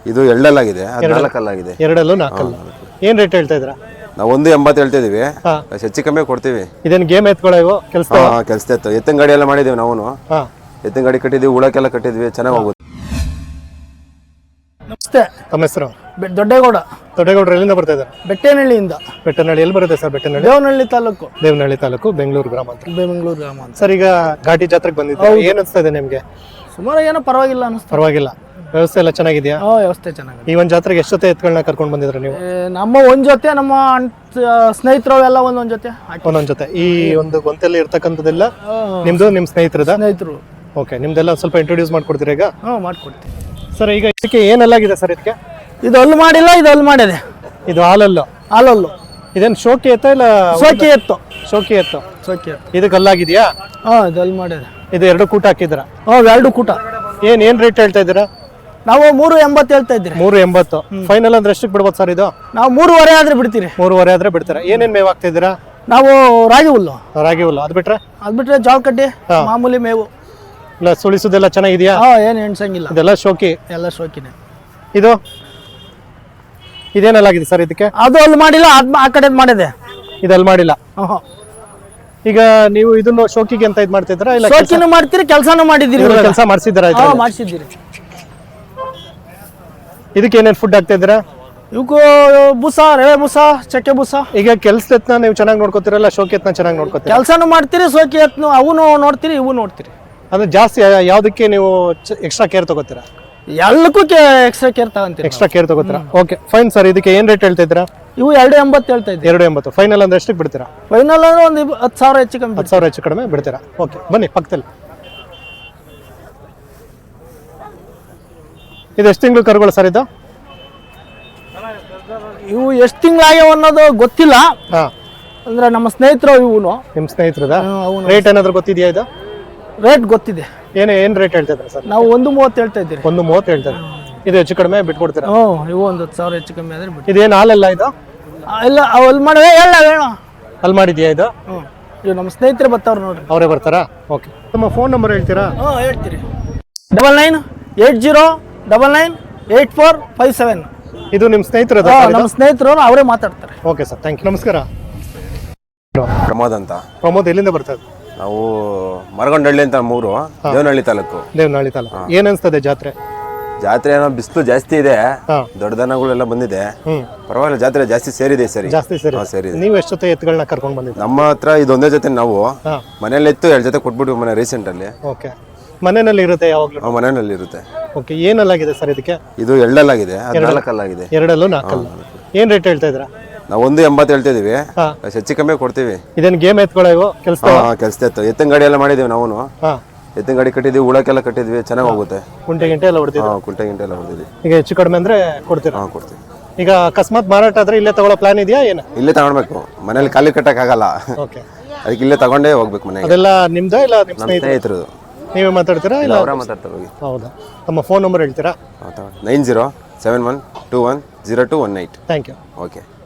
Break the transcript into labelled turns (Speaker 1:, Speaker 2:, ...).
Speaker 1: ಇದು ಎರಡಲ್ಲಾಗಿದೆ, 14 ಅಲ್ಲಾಗಿದೆ.
Speaker 2: ಎರಡಲ್ಲೂ 4 ಅಲ್ಲ. ಏನ್ ರೇಟ್ ಹೇಳ್ತಾ ಇದ್ದೀರಾ?
Speaker 1: ನಾವು 1.80 ಹೇಳ್ತಾ ಇದೀವಿ, ಹೆಚ್ಚು ಕಮ್ಮಿ ಕೊಡ್ತೀವಿ.
Speaker 2: ಇದೇನು ಗೇಮ್ ಎತ್ಕೊಳ್ಳೋ ಕೆಲಸ?
Speaker 1: ಕೆಲಸ ಇತ್ತು, ಎತ್ತಿನ ಗಾಡಿ ಎಲ್ಲ ಮಾಡಿದೀವಿ ನಾವು. ಎತ್ತಿನ ಗಾಡಿ ಕಟ್ಟಿದ್ವಿ, ಉಳಕ್ಕೆಲ್ಲ ಕಟ್ಟಿದ್ವಿ, ಚೆನ್ನಾಗಿ ಹೋಗುತ್ತೆ.
Speaker 3: ನಮಸ್ತೆ.
Speaker 2: ತಮ್ಮ ಹೆಸರು?
Speaker 3: ದೊಡ್ಡೇಗೌಡ.
Speaker 2: ದೊಡ್ಡೇಗೌಡರು ಎಲ್ಲಿಂದ ಬರ್ತಾ ಇದ್ದಾರೆ?
Speaker 3: ಬೆಟ್ಟೇನಹಳ್ಳಿಯಿಂದ.
Speaker 2: ಬೆಟ್ಟನಹಳ್ಳಿ ಎಲ್ಲಿ ಬರುತ್ತೆ ಸರ್? ಬೆಟ್ಟನಹಳ್ಳಿ
Speaker 3: ದೇವನಹಳ್ಳಿ ತಾಲೂಕು.
Speaker 2: ದೇವನಹಳ್ಳಿ ತಾಲೂಕು, ಬೆಂಗಳೂರು ಗ್ರಾಮಾಂತರ.
Speaker 3: ಬೆಂಗಳೂರು ಗ್ರಾಮ ಅಂತ.
Speaker 2: ಸರ್, ಈಗ ಘಾಟಿ ಜಾತ್ರೆಗೆ ಬಂದಿದ್ದೆ, ಏನ್ ಅನ್ಸ್ತಾ ಇದೆ ನಿಮ್ಗೆ?
Speaker 3: ಸುಮಾರು ಏನೋ ಪರವಾಗಿಲ್ಲ ಅನಿಸ್ತು.
Speaker 2: ಪರವಾಗಿಲ್ಲ, ವ್ಯವಸ್ಥೆ ಎಲ್ಲ ಚೆನ್ನಾಗಿದೆಯಾ?
Speaker 3: ವ್ಯವಸ್ಥೆ ಚೆನ್ನಾಗಿದೆ.
Speaker 2: ಈ ಒಂದು ಜಾತ್ರೆಗೆ ಎಷ್ಟು ಜೊತೆ ಎತ್ಗಳನ್ನ ಕರ್ಕೊಂಡು ಬಂದಿದ್ರೆ ನೀವು?
Speaker 3: ನಮ್ಮ ಒಂದ್ ಜೊತೆ, ನಮ್ಮ ಸ್ನೇಹಿತರು ಎಲ್ಲ ಒಂದೊಂದ್ ಜೊತೆ.
Speaker 2: ಒಂದೊಂದ್ ಜೊತೆ. ಈ ಒಂದು ಗೊಂತೆಲ್ಲಿ ಇರ್ತಕ್ಕಂಥದ್ದೆಲ್ಲ ನಿಮ್ದು, ನಿಮ್ ಸ್ನೇಹಿತರು? ಓಕೆ, ನಿಮ್ದೆಲ್ಲ ಸ್ವಲ್ಪ ಇಂಟ್ರೊಡ್ಯೂಸ್ ಮಾಡ್ಕೊಡ್ತೀರಾ ಈಗ?
Speaker 3: ಮಾಡ್ಕೊಡ್ತೀವಿ
Speaker 2: ಸರ್. ಈಗ ಇದಕ್ಕೆ ಏನೆಲ್ಲಾಗಿದೆ ಸರ್? ಇದಕ್ಕೆ
Speaker 3: ಇದು ಅಲ್ಲಿ ಮಾಡಿಲ್ಲ, ಇದು ಅಲ್ಲಿ ಮಾಡಿದೆ.
Speaker 2: ಇದು ಹಾಲಲ್ಲು?
Speaker 3: ಹಾಲಲ್ಲು.
Speaker 2: ಇದೇನು ಶೋಕಿ ಎತ್ತ ಇಲ್ಲ?
Speaker 3: ಸೋಕಿ ಎತ್ತು.
Speaker 2: ಶೋಕಿ ಎತ್ತು.
Speaker 3: ಸೋಕಿ ಎತ್ತು.
Speaker 2: ಇದಕ್ಕೆ ಅಲ್ಲಾಗಿದೆಯಾ?
Speaker 3: ಇದು ಅಲ್ಲಿ ಮಾಡಿದೆ.
Speaker 2: ಇದು 2 ಕೂಟ ಹಾಕಿದ್ರ?
Speaker 3: ಎರಡು ಕೂಟ.
Speaker 2: ಏನ್ ರೇಟ್ ಹೇಳ್ತಾ ಇದ್ದೀರಾ?
Speaker 3: ನಾವು 3.80 ಹೇಳ್ತಾ ಇದ್ದೀರಿ.
Speaker 2: 3.80 ಫೈನಲ್ ಅಂದ್ರೆ ಎಷ್ಟಕ್ಕೆ ಬಿಡ್ಬೋದು ಸರ್ ಇದು?
Speaker 3: ನಾವು 3.5 ಆದ್ರೆ ಬಿಡ್ತೀರಿ.
Speaker 2: 3.5 ಆದ್ರೆ ಬಿಡ್ತೀರಾ? ಏನೇನ್ ಮೇವು ಹಾಕ್ತಾ ಇದ್ದೀರಾ?
Speaker 3: ನಾವು ರಾಗಿ ಹುಲ್ಲು.
Speaker 2: ರಾಗಿ ಹುಲ್ಲು. ಅದ್ ಬಿಟ್ರೆ
Speaker 3: ಜೋಳ ಕಡ್ಡಿ, ಮಾಮೂಲಿ ಮೇವು.
Speaker 2: ಇಲ್ಲ, ಸುಳಿಸೋದೆಲ್ಲ ಚೆನ್ನಾಗಿದೆಯಾ?
Speaker 3: ಏನು ಎಣ್ಸಂಗಿಲ್ಲ.
Speaker 2: ಇದೆಲ್ಲ ಶೋಕಿ?
Speaker 3: ಎಲ್ಲ ಶೋಕಿನೇ.
Speaker 2: ಇದೇನೆಲ್ಲಾಗಿದೆ ಸರ್ ಇದಕ್ಕೆ?
Speaker 3: ಅದು ಅಲ್ಲಿ ಮಾಡಿಲ್ಲ, ಆ ಕಡೆ ಮಾಡಿದೆ.
Speaker 2: ಇದು ಅಲ್ಲಿ ಮಾಡಿಲ್ಲ. ಈಗ ನೀವು ಇದನ್ನು ಶೋಕಿಗೆ ಅಂತ ಇದು ಮಾಡ್ತಿದ್ದೀರಾ? ಇಲ್ಲ,
Speaker 3: ಶೋಕಿನೂ ಮಾಡ್ತೀರಿ, ಕೆಲಸನೂ ಮಾಡಿದ್ದೀರಿ.
Speaker 2: ಕೆಲಸ ಮಾಡಿಸಿದ್ದೀರಾ?
Speaker 3: ಮಾಡಿಸಿದ್ದೀರಿ.
Speaker 2: ಇದಕ್ಕೆ ಏನೇನು ಫುಡ್ ಹಾಕ್ತಾ ಇದ್ದೀರಾ?
Speaker 3: ಇವಕ್ಕೂ ಬೂಸ, ರವೆ ಬೂಸ, ಚಕ್ಕೆ ಬೂಸ.
Speaker 2: ಈಗ ಕೆಲಸ ಎತ್ನ ನೀವು ಚೆನ್ನಾಗಿ ನೋಡ್ಕೋತೀರಲ್ಲ, ಶೋಕಿ ಎತ್ನ ಚೆನ್ನಾಗಿ ನೋಡ್ಕೋತೀರಾ?
Speaker 3: ಕೆಲಸನೂ ಮಾಡ್ತೀರಿ, ಶೋಕಿ ಎತ್ನು ಅವನು ನೋಡ್ತೀರಿ, ಇವು ನೋಡ್ತೀರಿ.
Speaker 2: ಅಂದ್ರೆ ಜಾಸ್ತಿ ಯಾವ್ದಕ್ಕೆ ನೀವು ಎಕ್ಸ್ಟ್ರಾ ಕೇರ್ ತಗೋತೀರಾ?
Speaker 3: ಎಲ್ಲಕ್ಕೂ ಎಕ್ಸ್ಟ್ರಾ ಕೇರ್ ತಗೊಂತೀರಿ.
Speaker 2: ಎಕ್ಸ್ಟ್ರಾ ಕೇರ್ ತಗೋತೀರಾ? Okay, fine sir. ಇದಕ್ಕೆ ಏನ್ ರೇಟ್ ಹೇಳ್ತಾ ಇದ್ದೀರಾ?
Speaker 3: ಇವು 2.80 ಹೇಳ್ತಾ ಇದ್ದೀವಿ.
Speaker 2: 2.80 ಫೈನಲ್ ಅಂದ್ರೆ ಎಷ್ಟಕ್ಕೆ ಬಿಡ್ತೀರಾ?
Speaker 3: ಫೈನಲ್ ಅಂದ್ರೆ ಒಂದು 10,000 ಹೆಚ್ಚು ಕಮ್ಮಿ.
Speaker 2: 10,000 ಹೆಚ್ಚು ಕಡಿಮೆ ಬಿಡ್ತೀರಾ? ಓಕೆ, ಬನ್ನಿ ಪಕ್ಕದಲ್ಲಿ. ಇದು ಎಷ್ಟು ತಿಂಗಳು ಕರುಗಳು ಸರ್ ಇದು?
Speaker 3: ಇವು ಎಷ್ಟು ತಿಂಗಳಾಗ್ಯಾವ ಅನ್ನೋದು ಗೊತ್ತಿಲ್ಲ. ಅಂದ್ರೆ ನಮ್ಮ ಸ್ನೇಹಿತರು ಇವನು.
Speaker 2: ನಿಮ್ಮ ಸ್ನೇಹಿತರದ? ರೇಟ್ ಏನಾದ್ರು ಗೊತ್ತಿದೆಯಾ? ಇದು
Speaker 3: ರೇಟ್ ಗೊತ್ತಿದೆ.
Speaker 2: ಏನ್ ರೇಟ್ ಹೇಳ್ತಾ ಇದ್ದಾರೆ ಸರ್?
Speaker 3: ನಾವು 1.30 ಹೇಳ್ತಾ ಇದ್ದೀರಿ.
Speaker 2: 1.30 ಹೇಳ್ತಾರೆ. ಇದು ಹೆಚ್ಚು ಕಡಿಮೆ ಬಿಟ್ಕೊಡ್ತೀರಾ?
Speaker 3: ಇವು ಒಂದು 10,000 ಹೆಚ್ಚು ಕಮ್ಮಿ ಆದ್ರೆ ಬಿಟ್ಟು.
Speaker 2: ಇದೇನು ಹಾಲಲ್ಲ ಇದು?
Speaker 3: ಇಲ್ಲ, ಅಲ್ಲಿ ಮಾಡಿದೆ. ಹೇಳ
Speaker 2: ಅಲ್ಲಿ ಮಾಡಿದ್ಯಾ ಇದು?
Speaker 3: ಇವು ನಮ್ಮ ಸ್ನೇಹಿತರು ಬರ್ತಾವ್ರು ನೋಡ್ರಿ.
Speaker 2: ಅವರೇ ಬರ್ತಾರಾ? ಓಕೆ, ನಿಮ್ಮ ಫೋನ್ ನಂಬರ್ ಹೇಳ್ತೀರಾ?
Speaker 3: ಹೇಳ್ತೀರಿ. 9980998457.
Speaker 2: ಇದು ನಿಮ್ಮ ಸ್ನೇಹಿತರು?
Speaker 3: ನಮ್ಮ ಸ್ನೇಹಿತರು, ಅವರೇ ಮಾತಾಡ್ತಾರೆ.
Speaker 2: Okay sir, thank you. ನಮಸ್ಕಾರ.
Speaker 1: ಪ್ರಮೋದ್ ಅಂತ.
Speaker 2: ಪ್ರಮೋದ್ ಎಲ್ಲಿಂದ ಬರ್ತದೆ?
Speaker 1: ನಾವು ಮರಗೊಂಡಹಳ್ಳಿ ಅಂತ, ದೇವನಹಳ್ಳಿ ತಾಲೂಕು.
Speaker 2: ದೇವನಹಳ್ಳಿ ತಾಲೂಕು. ಏನ್ ಅನ್ಸ್ತದೆ ಜಾತ್ರೆ?
Speaker 1: ಜಾತ್ರೆ ಏನೋ ಬಿಸಿಲು ಜಾಸ್ತಿ ಇದೆ, ದೊಡ್ಡ ದನಗಳೆಲ್ಲ ಬಂದಿದೆ. ಪರವಾಗಿಲ್ಲ, ಜಾತ್ರೆ ಜಾಸ್ತಿ ಸೇರಿದೆ ಸರಿ.
Speaker 2: ಜಾಸ್ತಿ ಸೇರಿದೆ. ನೀವು ಎಷ್ಟು ಜೊತೆ ಎತ್ತುಗಳನ್ನ ಕರ್ಕೊಂಡು ಬಂದಿದ್ದೀರಾ?
Speaker 1: ನಮ್ಮ ಹತ್ರ ಇದೊಂದೇ ಜೊತೆ. ನಾವು ಮನೇಲಿ ಇತ್ತು, 2 ಜೊತೆ ಕೊಟ್ಬಿಟ್ಟು ಮನೆ ರೀಸೆಂಟ್ ಅಲ್ಲಿ.
Speaker 2: ಓಕೆ, ಮನೆಯಲ್ಲಿ ಇರುತ್ತೆ ಯಾವಾಗಲೂ?
Speaker 1: ಮನೆಯಲ್ಲಿ ಇರುತ್ತೆ.
Speaker 2: ಓಕೆ, ಏನಲ್ಲಾಗಿದೆ ಸರ್ ಇದಕ್ಕೆ?
Speaker 1: ಇದು ಎರಡಲ್ಲಾಗಿದೆ, 14 ಅಲ್ಲಾಗಿದೆ.
Speaker 2: ಎರಡಲ್ಲೂ 4 ಅಲ್ಲ. ಏನ್ ರೇಟ್ ಹೇಳ್ತಾ ಇದ್ದೀರಾ?
Speaker 1: ನಾವು 1.80 ಹೇಳ್ತಾ ಇದೀವಿ, ಹೆಚ್ಚು ಕಮ್ಮಿ ಕೊಡ್ತೀವಿ.
Speaker 2: ಇದೇನು ಗೇಮ್ ಎತ್ಕೊಳ್ಳೋ ಕೆಲಸ?
Speaker 1: ಕೆಲಸ ಇತ್ತು, ಎತ್ತಿನ ಗಾಡಿ ಎಲ್ಲ ಮಾಡಿದೀವಿ ನಾವು. ಎತ್ತಿನ ಗಾಡಿ ಕಟ್ಟಿದ್ವಿ, ಉಳಕ್ಕೆಲ್ಲ ಕಟ್ಟಿದ್ವಿ, ಚೆನ್ನಾಗಿ ಹೋಗುತ್ತೆ.
Speaker 2: ಕುಂಟೆ ಎಲ್ಲ ಹೊಡೆದಿದ್ವಿ?
Speaker 1: ಕುಂಟೆ ಎಲ್ಲ ಹೊಡೆದಿದ್ವಿ.
Speaker 2: ಈಗ ಹೆಚ್ಚು ಕಡಿಮೆ ಅಂದ್ರೆ ಕೊಡ್ತೀರಾ?
Speaker 1: ಕೊಡ್ತೀವಿ.
Speaker 2: ಈಗ ಅಕಸ್ಮಾತ್ ಮಾರಾಟ ಆದ್ರೆ ಇಲ್ಲೇ ತಗೊಳ್ಳೋ ಪ್ಲಾನ್ ಇದೆಯಾ? ಏನು
Speaker 1: ಇಲ್ಲೇ ತಗೊಳ್ಬೇಕು, ಮನೇಲಿ ಖಾಲಿ ಕಟ್ಟಕ್ ಆಗಲ್ಲ.
Speaker 2: ಓಕೆ,
Speaker 1: ಅದಕ್ಕೆ ಇಲ್ಲೇ ತಗೊಂಡೇ ಹೋಗ್ಬೇಕು ಮನೆಗೆ.
Speaker 2: ಅದೆಲ್ಲ ನಿಮ್ದ ಇಲ್ಲ ನಿಮ್ಮ
Speaker 1: ಸ್ನೇಹಿತರು?
Speaker 2: ನೀವೇ ಮಾತಾಡ್ತೀರಾ ಇಲ್ಲ
Speaker 1: ಅವರ ಮಾತಾಡ್ತಾರೆ? ಹೋಗಿ.
Speaker 2: ಹೌದಾ? ತಮ್ಮ ಫೋನ್ ನಂಬರ್ ಹೇಳ್ತೀರಾ?
Speaker 1: 9071210218.
Speaker 2: Thank you.
Speaker 1: ಓಕೆ.